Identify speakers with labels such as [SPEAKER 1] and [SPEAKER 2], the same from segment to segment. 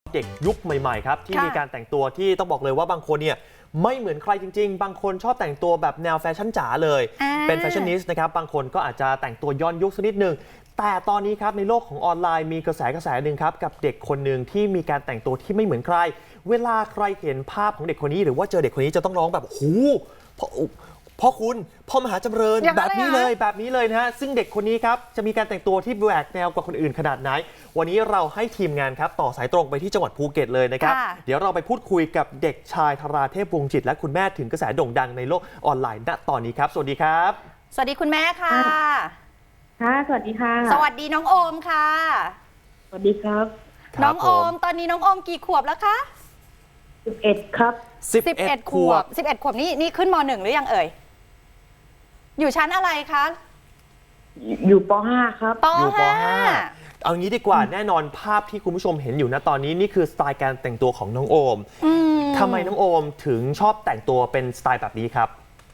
[SPEAKER 1] เด็กยุคใหม่ๆครับที่มีการแต่งตัวที่ต้องบอกเลยว่าบางคนเนี่ยไม่เหมือนใครจริงๆบางคนชอบแต่งตัวแบบแนวแฟชั่นจ๋าเลยเป็นแฟชั่นนิสต์นะครับบางคนก็อาจจะแต่งตัวย้อนยุคสักนิดนึงแต่ตอนนี้ครับในโลกของออนไลน์มีกระแสหนึ่งครับกับเด็กคนหนึ่งที่มีการแต่งตัวที่ไม่เหมือนใครเวลาใครเห็นภาพของเด็กคนนี้หรือว่าเจอเด็กคนนี้จะต้องร้องแบบหูพ่อคุณพ่อมหาจำเริญแบบนี้เลยนะฮะซึ่งเด็กคนนี้ครับจะมีการแต่งตัวที่แหวกแนวกว่าคนอื่นขนาดไหนวันนี้เราให้ทีมงานครับต่อสายตรงไปที่จังหวัดภูเก็ตเลยนะครับเดี๋ยวเราไปพูดคุยกับเด็กชายธราเทพวงศ์จิตและคุณแม่ถึงกระแสโด่งดังในโลกออนไลน์ณตอนนี้ครับสวัสดีครับ
[SPEAKER 2] สวัสดีคุณแม่ค่ะ
[SPEAKER 3] ค่ะสวัสดีค่ะ
[SPEAKER 2] สวัสดีน้องโอมค่ะ
[SPEAKER 3] สวัสดีครับ
[SPEAKER 2] น้องโอมตอนนี้น้องโอมกี่ขวบแล้วคะ
[SPEAKER 3] 11ครับ
[SPEAKER 2] 11 ขวบ11 ขวบนี่ขึ้นม.1 หรือยังเอ่ยอยู่ชั้นอะไรคะ
[SPEAKER 3] อยู่ป.5 ครับ
[SPEAKER 1] อยู่ป.5 เอางี้ดีกว่าแน่นอนภาพที่คุณผู้ชมเห็นอยู่ณตอนนี้นี่คือสไตล์การแต่งตัวของน้องโอมทำไมน้องโอมถึงชอบแต่งตัวเป็นสไตล์แบบนี้ครับ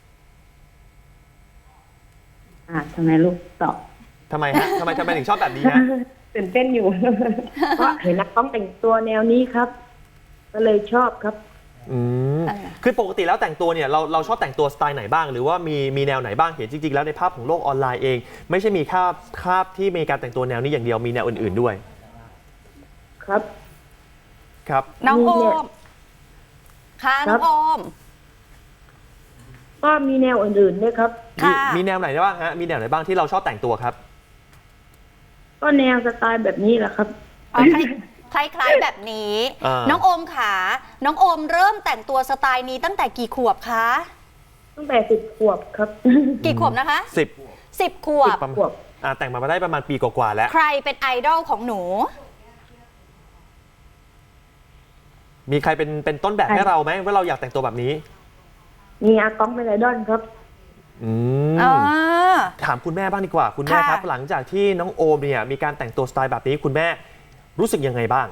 [SPEAKER 3] ทำไมลูกตอบ
[SPEAKER 1] ทำไมฮะทำไมถึงชอบแบบนี้ฮะ
[SPEAKER 3] ตื่นเต้นอยู่เพราะเห็นนักร้องแต่งตัวแนวนี้ครับก็เลยชอบครับ
[SPEAKER 1] คือปกติแล้วแต่งตัวเนี่ยเราชอบแต่งตัวสไตล์ไหนบ้างหรือว่ามีแนวไหนบ้างเห็นจริงๆแล้วในภาพของโลกออนไลน์เองไม่ใช่มีภาพที่มีการแต่งตัวแนวนี้อย่างเดียวมีแนวอื่นๆด้วย
[SPEAKER 3] ครับ
[SPEAKER 2] น้องโอมค่ะน้องโอม
[SPEAKER 3] ก็มีแนวอื่นๆด้วยครับ
[SPEAKER 1] มีแนวไหนบ้างฮะมีแนวไหนบ้างที่เราชอบแต่งตัวครับ
[SPEAKER 3] ก็แนวสไตล์แบบนี้แหละครับ
[SPEAKER 2] คล้ายๆแบบนี้น้องโอมค่ะน้องโอมเริ่มแต่งตัวสไตล์นี้ตั้งแต่กี่ขวบคะ
[SPEAKER 3] ตั้งแต่10 ขวบครับ
[SPEAKER 2] กี่ขวบนะคะ10 ขวบ
[SPEAKER 1] แต่งมาได้ประมาณปีกว่าๆแล้ว
[SPEAKER 2] ใครเป็นไอดอลของหนู
[SPEAKER 1] มีใครเป็นต้นแบบให้เราไหมว่าเราอยากแต่งตัวแบบนี้
[SPEAKER 3] มีอากองเป็นไอดอลครับ
[SPEAKER 1] ถามคุณแม่บ้างดีกว่าคุณแม่ครับหลังจากที่น้องโอมเนี่ยมีการแต่งตัวสไตล์แบบนี้คุณแม่รู้สึกยังไงบ้าง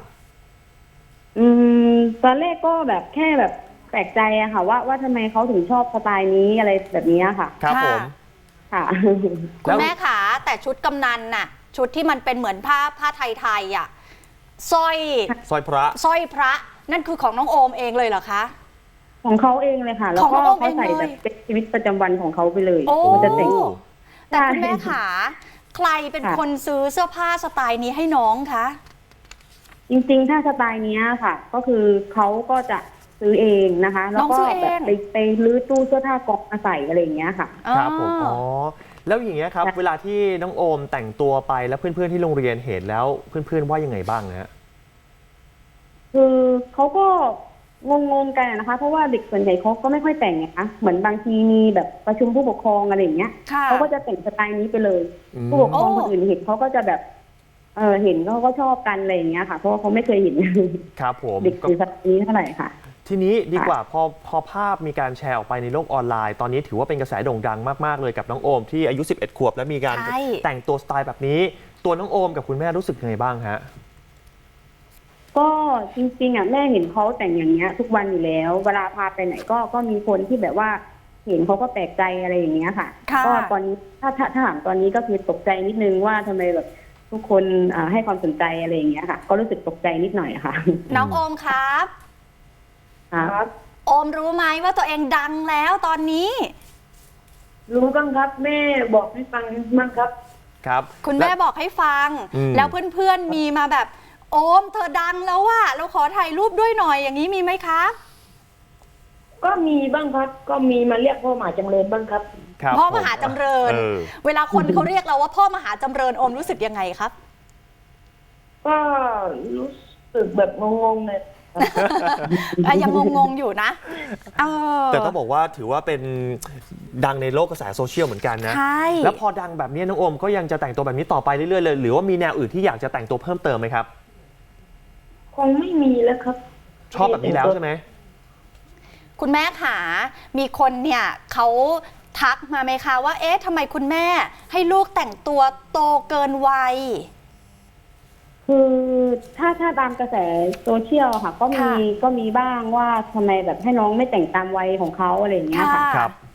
[SPEAKER 3] ตอนแรกก็แบบแค่แบบแปลกใจอะค่ะว่าทำไมเขาถึงชอบสไตล์นี้อะไรแบบนี้ค่ะ
[SPEAKER 1] ครับผม
[SPEAKER 3] ค่ะ
[SPEAKER 2] คุณแม่ขาแต่ชุดกำนันน่ะชุดที่มันเป็นเหมือนผ้าไทยๆอะสร้อยพระนั่นคือของน้องโอมเองเลยเหรอคะ
[SPEAKER 3] ของเขาเองเลยค่ะแล้วก็เขาใส่แบบเป็นชีวิตประจำวันของเขาไปเลย
[SPEAKER 2] มันจะแต่งแต่คุณแม่ขาใครเป็นคนซื้อเสื้อผ้าสไตล์นี้ให้น้องคะ
[SPEAKER 3] จริงๆถ้าสไตล์นี้ค่ะก็คือเขาก็จะซื้อเองนะคะแล้วก็แบบไปรื้อตู้เสื้อผ้ากองมาใส่อะไรอย่างเงี้ยค่ะ
[SPEAKER 1] ครับผมแล้วอย่างเงี้ยครับเวลาที่น้องโอมแต่งตัวไปแล้วเพื่อนๆที่โรงเรียนเห็นแล้วเพื่อนๆว่ายังไงบ้างนะ
[SPEAKER 3] คือเขาก็งงกันนะคะเพราะว่าเด็กส่วนใหญ่เขาก็ไม่ค่อยแต่งไงคะเหมือนบางทีมีแบบประชุมผู้ปกครองอะไรอย่างเงี้ยเขาก็จะแต่งสไตล์นี้ไปเลยผู้ปกครองคนอื่นเห็นเขาก็จะแบบเห็นเขาก็ชอบกันอะไรอย่างเงี้ยค่ะเพราะว่าเขาไม่เคยเห็น
[SPEAKER 1] ครับผม
[SPEAKER 3] เด็กสไตล์นี้เท่าไหร่ค่ะ
[SPEAKER 1] ทีนี้ดีกว่าพอภาพมีการแชร์ออกไปในโลกออนไลน์ตอนนี้ถือว่าเป็นกระแสโด่งดังมากๆเลยกับน้องโอมที่อายุ11 ขวบและมีการแต่งตัวสไตล์แบบนี้ตัวน้องโอมกับคุณแม่รู้สึกยังไงบ้างฮะ
[SPEAKER 3] ก็จริงๆแม่เห็นเขาแต่งอย่างเงี้ยทุกวันอยู่แล้วเวลาพาไปไหนก็มีคนที่แบบว่าเห็นเขาก็แปลกใจอะไรอย่างเงี้ยค่ะก็ตอนนี้ถ้าถามตอนนี้ก็คือตกใจนิดนึงว่าทำไมแบบทุกคนให้ความสนใจอะไรอย่างเงี้ยค่ะก็รู้สึกตกใจนิดหน่อยค่ะ
[SPEAKER 2] น้องโอมครับโอมรู้ไหมว่าตัวเองดังแล้วตอนนี้
[SPEAKER 3] รู้บ้างครับแม่บอกให้ฟังบ้างครับ
[SPEAKER 2] คุณแม่บอกให้ฟังแล้วเพื่อนๆมีมาแบบโอมเธอดังแล้วว่ะเราขอถ่ายรูปด้วยหน่อยอย่างนี้มีไหมครับ
[SPEAKER 3] ก็มีบ้างครับก็มีมาเรียกพ่อมหาจำเริญบ้างครับ
[SPEAKER 2] พ่อมหาจำเริญเวลาคนเขาเรียกเราว่าพ่อมหาจำเริญโอมรู้สึกยังไงครับ
[SPEAKER 3] ก็รู้สึกแบบงงๆเลย
[SPEAKER 2] ยังงงๆอยู่นะ
[SPEAKER 1] แต่ต้องบอกว่าถือว่าเป็นดังในโลกกระแสโซเชียลเหมือนกันนะแล้วพอดังแบบนี้น้องโอมก็ยังจะแต่งตัวแบบนี้ต่อไปเรื่อยๆเลยหรือว่ามีแนวอื่นที่อยากจะแต่งตัวเพิ่มเติมไหมครับ
[SPEAKER 3] คงไม่มีแล้วครับ
[SPEAKER 1] ชอบแบบนี้แล้วใช่ไหม
[SPEAKER 2] คุณแม่ขามีคนเนี่ยเขาทักมาไหมคะว่าเอ๊ะทำไมคุณแม่ให้ลูกแต่งตัวโตเกินวัย
[SPEAKER 3] คือถ้าตามกระแสโซเชียลค่ะก็มีบ้างว่าทำไมแบบให้น้องไม่แต่งตามวัยของเขาอะไรอย่างเงี้ยค่ะ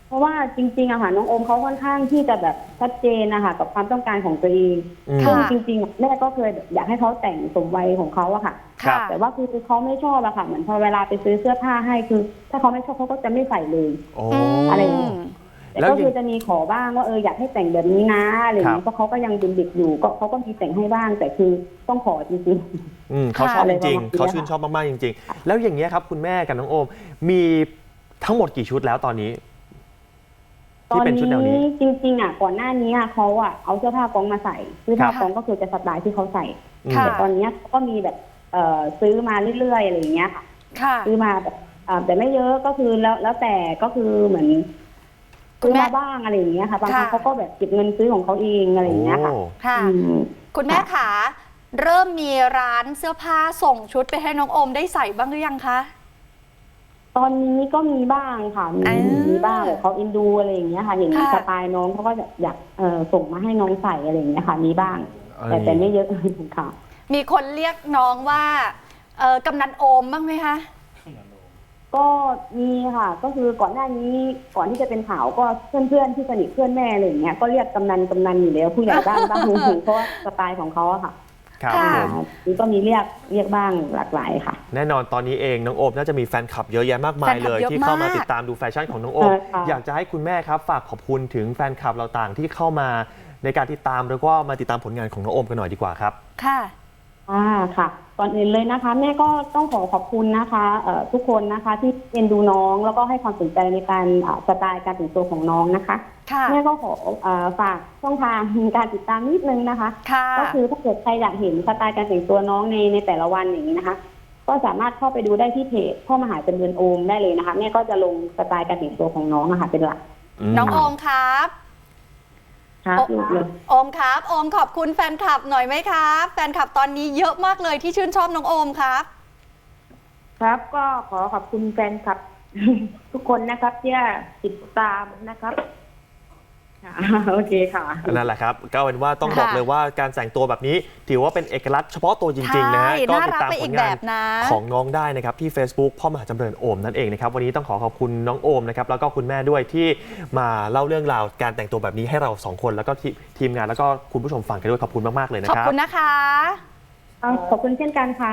[SPEAKER 3] เพราะว่าจริงๆอะค่ะน้องโอมเขาค่อนข้างที่จะแบบชัดเจนนะคะกับความต้องการของตัวเองซึ่งจริงๆแม่ก็เคยอยากให้เขาแต่งสมวัยของเขาอะค่ะ
[SPEAKER 1] ครับ
[SPEAKER 3] แต่ว่าคือเขาไม่ชอบอะค่ะเหมือนพอเวลาไปซื้อเสื้อผ้าให้คือ ถ้าเขาไม่ชอบเขาก็จะไม่ใส่เลย
[SPEAKER 1] โอ้
[SPEAKER 3] อะไรอย่างเงี้ย แต่ก็คือจะมีขอบ้างว่าอยากให้แต่งแบบนี้นะอะไรอย่างเงี้ยเพราะเขาก็ยังเป็นเด็กอยู่ก็เขาก็มีแต่งให้บ้างแต่คือต้องขอจริงๆ
[SPEAKER 1] เขาชอบจริง
[SPEAKER 3] ค่ะ
[SPEAKER 1] ๆเขาชื่นชอบมากๆจริงๆแล้วอย่างเงี้ยครับคุณแม่กับน้องโอมมีทั้งหมดกี่ชุดแล้วตอนนี้
[SPEAKER 3] ตอนนี้จริงๆอ่ะก่อนหน้านี้เขาอ่ะเอาเสื้อผ้ากองมาใส่เสื้อผ้ากองก็คือจะสไตล์ที่เขาใส่แต่ตอนนี้ก็มีแบบซื้อมาเรื่อยๆอะไรอย่างเงี้ยค่ะซื้อมาแบบแต่ไม่เยอะก็คือแล้วแต่ก็คือเหมือนซื้อมาบ้างอะไรอย่างเงี้ยค่ะบางครั้งเขาก็แบบเก็บเงินซื้อของเขาเองอะไรอย่างเงี้ยค่ะ
[SPEAKER 2] คุณแม่ขาเริ่มมีร้านเสื้อผ้าส่งชุดไปให้น้องโอมได้ใส่บ้างหรือยังคะ
[SPEAKER 3] ตอนนี้ก็มีบ้างค่ะมีบ้างเขาอินดูอะไรอย่างเงี้ยค่ะเห็นสไตล์น้องเขาก็อยากส่งมาให้น้องใส่อะไรอย่างเงี้ยค่ะมีบ้างแต่ไม่เยอะค่ะ
[SPEAKER 2] มีคนเรียกน้องว่ากำนันโอมบ้างไหมคะ
[SPEAKER 3] ก็มีค่ะก็คือก่อนหน้านี้ก่อนที่จะเป็นข่าวก็เพื่อนๆที่สนิทเพื่อนแม่อะไรอย่างเงี้ยก็เรียกกำนันอยู่แล้วผู้ใหญ่บ้านบ้างเพราะว่าสไตล์ของเขาอะค่ะ
[SPEAKER 1] ครับ
[SPEAKER 3] นี่ก็มีเรียกบ้างหลากหลายค่ะ
[SPEAKER 1] แน่นอนตอนนี้เองน้องโอมน่าจะมีแฟนคลับเยอะแยะมากมายเลยที่เข้ามาติดตามดูแฟชั่นของน้องโอมอยากจะให้คุณแม่ครับฝากขอบคุณถึงแฟนคลับเราต่างที่เข้ามาในการติดตามแล้วก็มาติดตามผลงานของน้องโอมกันหน่อยดีกว่าครับ
[SPEAKER 2] ค่ะ
[SPEAKER 3] ค่ะก่อนอื่นเลยนะคะแม่ก็ต้องขอบคุณนะคะทุกคนนะคะที่เอ็นดูน้องแล้วก็ให้ความสนใจในการสไตล์การแต่งตัวของน้องนะคะแม่ก็ขอฝากช่องทางการติดตามนิดนึงนะคะก็คือถ้าเกิดใครอยากเห็นสไตล์การแต่งตัวน้องในแต่ละวันอย่างนี้นะคะก็สามารถเข้าไปดูได้ที่เพจพ่อมหาจำเริญโอมได้เลยนะคะแม่ก็จะลงสไตล์การแต่งตัวของน้องนะคะเป็นหลัก
[SPEAKER 2] น้องโอมครับโอมครับโอมขอบคุณแฟนคลับหน่อยไหมครับแฟนคลับตอนนี้เยอะมากเลยที่ชื่นชอบน้องโอมครับ
[SPEAKER 3] ครับก็ขอขอบคุณแฟนคลับทุกคนนะครับที่ติดตามนะครับโอเคค่ะ
[SPEAKER 1] นั่นแหละครับก็เป็นว่าต้องบอกเลยว่าการแต่งตัวแบบนี้ถือว่าเป็นเอกลักษณ์เฉพาะตัวจริงๆนะฮะก็ติดตามผลงานของน้องได้นะครับที่ Facebook พ่อมหาจำเริญโอมนั่นเองนะครับวันนี้ต้องขอบคุณน้องโอมนะครับแล้วก็คุณแม่ด้วยที่มาเล่าเรื่องราวการแต่งตัวแบบนี้ให้เรา2คนแล้วก็ทีมงานแล้วก็คุณผู้ชมฟังกันด้วยขอบคุณมากๆเลยนะครับ
[SPEAKER 2] ขอบคุณนะคะ
[SPEAKER 3] ขอบคุณเช่นกันค่ะ